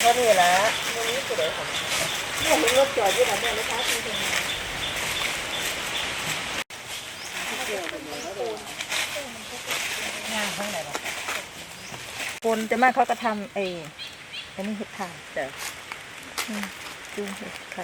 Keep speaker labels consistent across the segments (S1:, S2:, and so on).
S1: ก็นี่แหละวันนี้สุดเลยค่ะเนี่ยเห็นรถจอดอยู่แบบนี้นะคะจริงๆงานข้างไหนบ้างคนจะมาเขาก็ทำอันนี้เห็ดถ่านจ้ะดูเห็ดไข่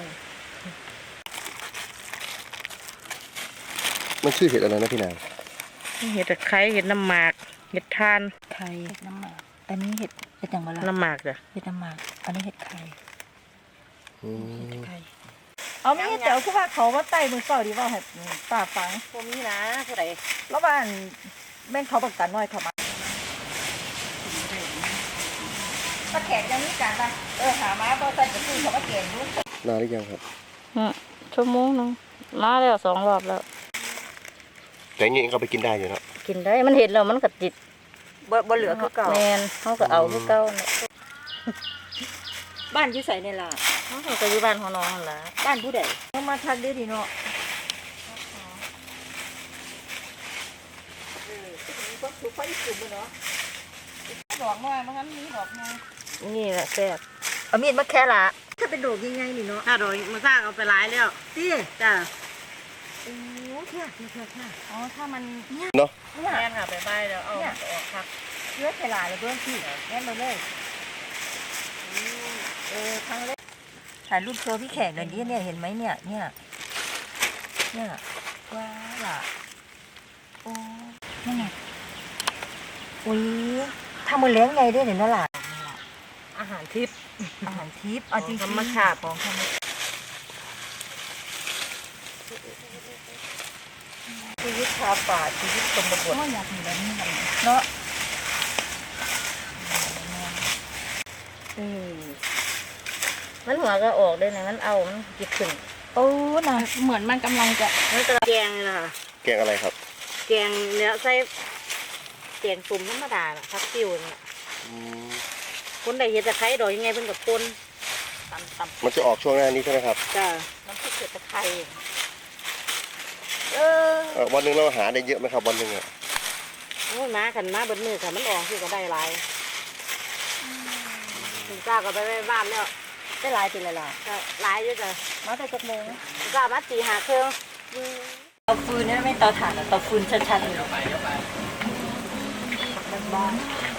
S2: มันชื่อเห็ดอะไรนะพี่นาง
S3: เห็ดตะไคร้เห็ดน้ำหมากเห็ดทาน
S1: ไข่เห็ดน้ำหมากอันนี้เห็ดอย่างไร
S3: น้ำหมากจ้ะ
S1: เห็ดน้ำหมากอันนี้เห็ดไข่
S2: อืม
S1: ไข่เอาไม่เดี๋ยวคือว่าเขาว่าไต่มือเก่าดีว่าให้ป้าฟัง
S3: พวกนี้นะเท่าไหร่
S1: แล้วบ้านแม่งเขาบักกันน้อยเขามาป้าแขกยังมีการป่ะหามาป้าใส่กระตุ้นเขามาเก่งรู้
S2: นานหรือยังครับ
S3: ชั่วโมงนึงมาแล้ว2 รอบแล้ว
S2: แต่อย่างงี้ก็ไปกินได้อยู่เนาะ
S3: กินได้มันเห็ดแล้วมันก็ติด
S1: บ่เหลือคือเก่า
S3: แมนเขาก็เอาคือเก่าเนี่ย
S1: บ้านอยู่ใส่เนี่ยล่ะ
S3: เขาก็อยู่บ้านของน้องนั่นล่ะ
S1: บ้านผู้ใดมาทักได้ดีเนาะก็ถูกไฟกลุ่มเนาะดอกน้อยมันมีดอกน้อย
S3: นี่แหละแซ่บ
S1: เอามีดมาแค่ละถ้าเป็นดอกยังไงนี่เนาะ
S3: ถ้าโดยมันสร้างเอาไปหลายแล้ว
S1: ตี
S3: จ้ะ
S1: โอ้แค่อ๋อถ้ามัน
S2: เนาะ
S1: เนี่ย
S3: แม่นค่ะไปใบแล้วเอาออกครับ
S1: เลือดไปหลายเลยเบื้องที่แน่นเลยครั้งแรกถ่ายรูปโชว์พี่แขกหน่อยดิเนี่ยเห็นไหมเนี่ยว้าล่ะโอ้นั่นไงอุ้ยทำมือเลี้ยงไงด้วยเนี่ยนั่นล่ะ
S3: อาหารทิพย์
S1: อาหารทิพย์เอาจริงๆ
S3: ธรรมชาติ
S1: ของธรรมชาติชีวิตชาวป่าชีวิตชนบทก็อยากมีแบบนี้เนาะ
S3: มันหัวก็ออกได้นะมันเอามันจิตขึ้น
S1: โอ้น่ะเหมือนมันกำลังจะ
S3: มันจะแกงเลยค่ะ
S2: แกงอะไรครับ
S3: แกงเนื้อใส่แกงตุ่มธรรมดาน่ะพักติ้วน่ะ
S2: อืม
S3: คนใดเห็ดตะไคร้ดอกยังไงเพิ่นกับคนตำ
S2: มันจะออกช่วงหน้านี้ใช่ไหมครับ
S3: จ้าน้ำพริกเห็ดตะไคร้
S2: วันหนึ่งเราหาได้เยอะไหมครับวันหนึ่งอ่ะ
S3: โอ้ยมาขันมาเบิดมือค่ะมันออกคือก็ได้หลายถึงจ้าก็ไปบ้านแล้ว
S1: ได้หลายทีเลยล่ะ
S3: ก็หลายอยู่จ้ะ
S1: มาแต่จักโมง
S3: จ้ามาตีหาเครื่อง
S1: เตาฟืนนี่ไม่เตาถ่านอะเตาฟืนชัดๆเลยบ้าน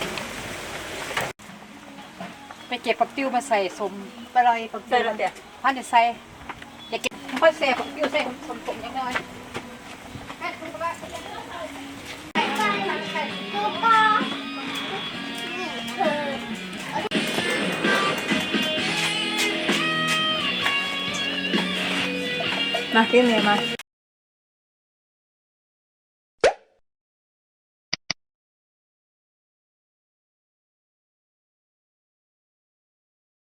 S4: ไปเก็บผักติ้วมาใส่สม
S1: ไปลอยปักเจอแล้วเดี๋ยว
S4: พันจะใส่อย่าเก็บค่อยใส่ผักติ้วใส่สมๆอย่างน้อย
S1: มาพี่เมย์มา